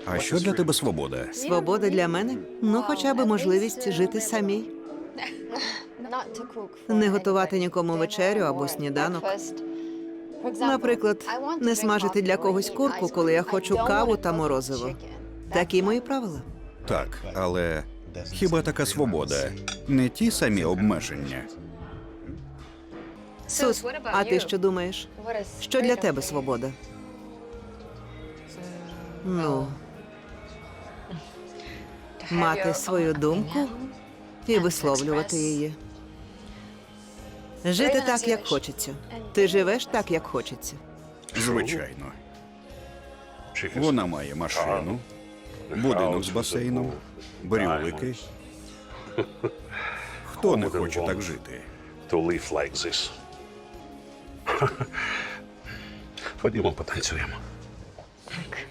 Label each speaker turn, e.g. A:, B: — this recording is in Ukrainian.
A: А що для тебе свобода?
B: Свобода для мене? Ну, хоча б можливість жити самій. Не готувати нікому вечерю або сніданок. Наприклад, не смажити для когось курку, коли я хочу каву та морозиво. Такі мої правила.
A: Так, але хіба така свобода не ті самі обмеження?
B: Сус, а ти що думаєш? Що для тебе свобода? Ну, мати свою думку і висловлювати її. Жити так, як хочеться. Ти живеш так, як хочеться.
A: Звичайно. Вона має машину, будинок з басейном, брюлики. Хто не хоче так жити?
C: To live like this. Ходімо, потанцюємо.
D: Так.